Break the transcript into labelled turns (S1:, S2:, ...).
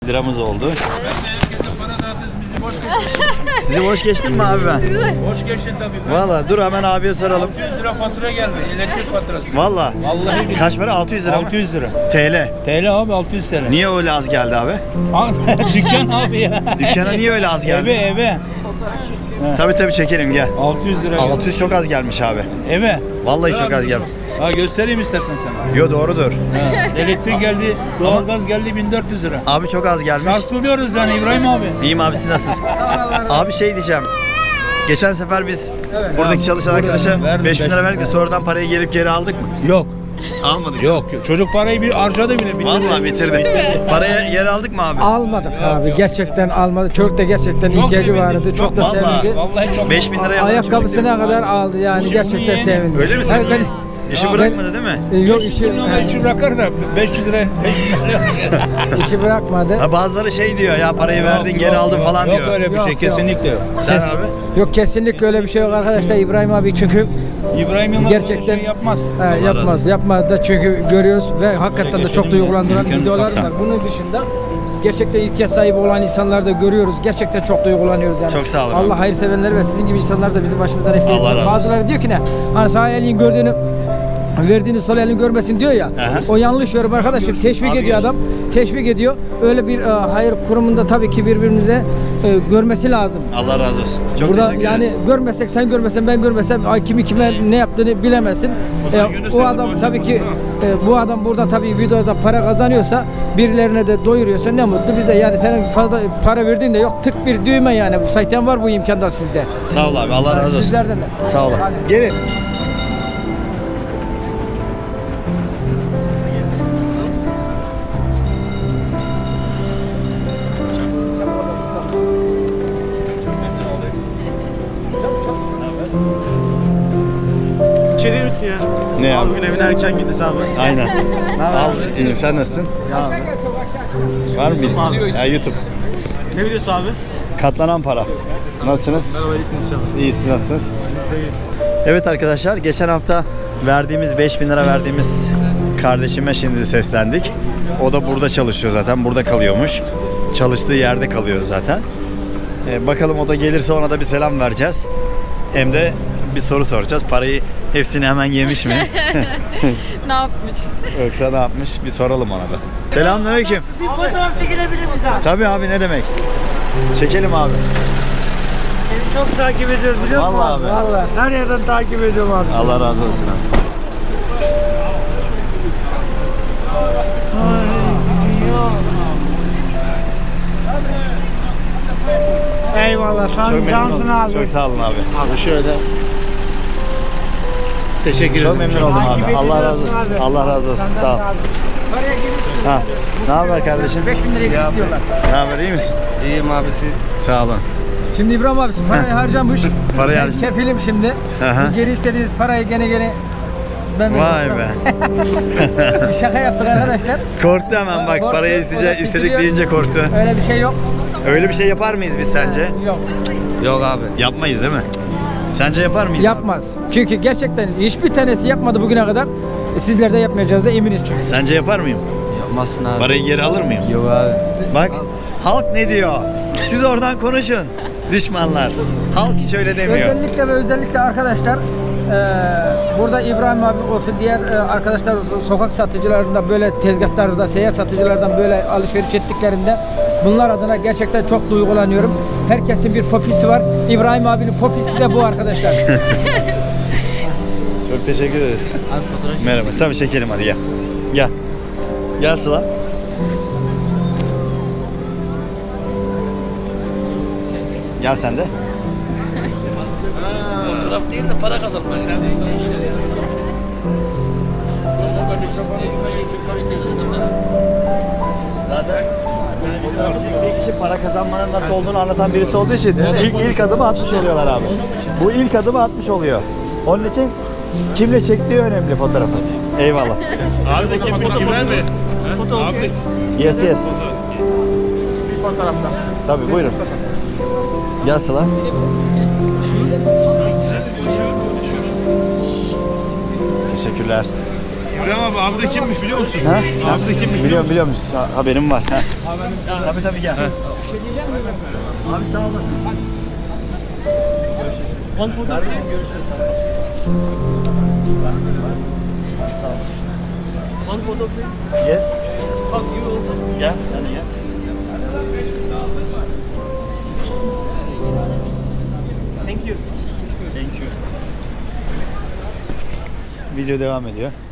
S1: Liramız oldu.
S2: Herkese para dağıtıyoruz, bizi boş geçiyorsun.
S1: Sizi boş geçtim mi abi ben?
S2: Boş geçtin tabii.
S1: Valla dur hemen abiye soralım.
S2: 600 lira fatura geldi, elektrik faturası.
S1: Valla.
S2: Vallahi
S1: Kaç para? 600 lira mı?
S2: 600 lira.
S1: TL.
S2: TL abi 600 TL.
S1: Niye öyle az geldi abi?
S2: Dükkan abi ya.
S1: Dükkana niye öyle az geldi?
S2: Eve.
S1: Tabii çekelim gel.
S2: 600 lira.
S1: 600 çok az gelmiş abi.
S2: Eve.
S1: Vallahi çok az gelmiş.
S2: Ha göstereyim istersen sana.
S1: Yo doğrudur.
S2: Ha, elektrik geldi, doğalgaz geldi 1400 lira.
S1: Abi çok az gelmiş.
S2: Sarsılıyoruz yani İbrahim abi.
S1: İyiyim abi siz nasılsınız? Abi şey diyeceğim. Geçen sefer biz buradaki çalışan arkadaşa
S2: verdim,
S1: 5000 lira verdik de sonradan parayı gelip geri aldık mı?
S2: Yok.
S1: Almadık.
S2: Yok. Çocuk parayı bir harcadı bile. bitirdi.
S1: Vallahi bitirdik. Parayı geri aldık mı abi?
S3: Almadık abi. Gerçekten almadı. Çocuk da gerçekten ihtiyacı
S2: sevindim,
S3: vardı. Çok da
S1: Vallahi.
S3: sevindi.
S2: Vallahi çok.
S1: 5000 liraya aldık.
S3: Ayakkabısına kadar aldı yani. Gerçekten
S2: yeğeni.
S3: sevindi.
S1: Öyle mi
S3: Hayır,
S1: sen? İşi bırakmadı değil mi?
S3: Yok işi,
S2: işi bırakır da 500 lira.
S3: işi bırakmadı.
S1: Ha, bazıları şey diyor ya parayı verdin geri aldın falan
S2: Yok
S1: diyor.
S2: öyle bir
S3: Yok,
S2: şey
S3: yok.
S2: kesinlikle yok.
S1: Sen abi?
S3: Yok kesinlikle öyle bir şey yok arkadaşlar. İbrahim abi çünkü
S2: İbrahim Yılmaz
S3: gerçekten
S2: öyle şey yapmaz.
S3: yapmaz da çünkü görüyoruz ve hakikaten de çok duygulandıran
S2: Mümkün.
S3: videolar var. Bunun dışında gerçekten ihtiyaç sahibi olan insanları da görüyoruz. Gerçekten çok duygulanıyoruz yani.
S1: Çok sağ olun.
S3: Allah hayırseverleri ve sizin gibi insanlar da bizim başımızdan eksik
S1: Allah
S3: etmeyin.
S1: razı olsun.
S3: Bazıları diyor ki ne? Hani sağ elin gördüğünü verdiğini sol elin görmesin diyor ya.
S1: Aha.
S3: O yanlış yorum arkadaşım. Teşvik ediyor adam. Teşvik ediyor. Öyle bir hayır kurumunda tabii ki birbirimize görmesi lazım.
S1: Allah razı olsun. Çok
S3: Burada
S1: teşekkür
S3: yani
S1: ederiz.
S3: görmesek sen görmesen ben görmesem ay kimi kime ne yaptığını bilemezsin. O adam tabii ki bu adam burada tabii videoda para kazanıyorsa birilerine de doyuruyorsa ne mutlu bize. Yani senin fazla para verdiğin de yok. Tık bir düğme yani. Bu sayten var bu imkanda sizde.
S1: Sağ ol abi Allah razı olsun.
S3: Sizlerden de.
S1: Sağ ol.
S3: Hadi.
S1: Gelin.
S4: Bir şey değil misin ya?
S1: Ne abi?
S4: Bugün evine erken gidiyoruz abi.
S1: Aynen. Al film sen nasılsın? Var mı bir ya YouTube.
S4: Ne videosu abi?
S1: Katlanan para. Nasılsınız?
S4: Merhaba iyisiniz inşallah.
S1: İyisiniz nasılsınız? Evet arkadaşlar geçen hafta verdiğimiz 5000 lira verdiğimiz kardeşime şimdi seslendik. O da burada çalışıyor zaten. Burada kalıyormuş. Çalıştığı yerde kalıyor zaten. Bakalım o da gelirse ona da bir selam vereceğiz. Hem de bir soru soracağız. Parayı hepsini hemen yemiş mi?
S5: Ne yapmış?
S1: Yoksa ne yapmış? Bir soralım ona da. Selamünaleyküm.
S6: Bir fotoğraf çekilebilir miyiz abi?
S1: Tabii abi ne demek? Çekelim abi.
S6: Seni çok takip ediyoruz biliyor musun?
S1: Vallahi abi.
S6: Vallahi. Her yerden takip ediyorum abi.
S1: Allah razı olsun abi.
S6: Eyvallah.
S1: Çok
S6: Sen
S1: memnun
S6: cansın
S1: oldum.
S6: abi.
S1: Çok sağ olun abi.
S4: Abi şöyle. Teşekkür ederim.
S1: Çok memnun oldum
S6: Takip
S1: abi. Allah razı
S6: ediyorsun
S1: olsun.
S6: abi.
S1: Allah razı olsun. Sağ ol.
S3: Paraya gelirse
S1: Ha. Ne haber kardeşim?
S3: 5000 liraya istiyorlar.
S1: Ne haber? İyi misin?
S4: İyiyim abi siz.
S1: Sağ olun.
S3: Şimdi İbrahim abisi parayı harcamış.
S1: Parayı
S3: Ben
S1: harcamış.
S3: kefilim şimdi.
S1: Aha.
S3: Bu geri istediğiniz parayı gene ben
S1: Vay be.
S3: Bir şaka yaptık arkadaşlar.
S1: Korktu hemen bak.
S3: Korktu.
S1: Parayı
S3: O da
S1: istedik
S3: titriyor.
S1: deyince korktu.
S3: Öyle bir şey yok.
S1: Öyle bir şey yapar mıyız biz sence?
S3: Yok.
S4: Yok abi.
S1: Yapmayız değil mi? Sence yapar mıyız?
S3: Yapmaz. Çünkü gerçekten hiçbir tanesi yapmadı bugüne kadar. Sizler de yapmayacağız da eminiz çünkü.
S1: Sence yapar mıyım?
S4: Yapmazsın abi.
S1: Parayı geri alır mıyım?
S4: Yok abi.
S1: Bak halk ne diyor? Siz oradan konuşun. Düşmanlar. Halk hiç öyle demiyor.
S3: Özellikle arkadaşlar burada İbrahim abi olsun diğer arkadaşlar olsun sokak satıcılarında böyle tezgahlarda seyyar satıcılardan böyle alışveriş ettiklerinde bunlar adına gerçekten çok duygulanıyorum. Herkesin bir popisi var. İbrahim abinin popisi de bu arkadaşlar.
S1: Çok teşekkür ederiz. Merhaba. Tabii çekelim hadi gel. Gel. Gel Sıla. Gel sen de.
S4: Fotoğraf değil de para kazanmak istedim.
S1: Zaten fotoğrafçı bir kişi para kazanmanın nasıl olduğunu anlatan birisi olduğu için ilk adımı atmış oluyorlar abi. Bu ilk adımı atmış oluyor. Onun için kimle çektiği önemli fotoğrafı. Eyvallah.
S2: Abi de kim güven mi? Abi
S1: Yes yes.
S4: Bir fotoğrafta.
S1: Tabii buyurun. Gel Sıla. Teşekkürler.
S2: İbrahim abi de kimmiş biliyor musun?
S1: Ha?
S2: Abi de kimmiş
S1: Biliyorum. Haberim var. Ha. Tabii gel. Abi sağ olasın. Görüşürüz. Kardeşim görüşürüz. Sağ olasın.
S4: One photo please.
S1: Yes.
S4: Fuck you.
S1: Gel sen de gel.
S4: Thank you.
S1: Thank you. Video devam ediyor.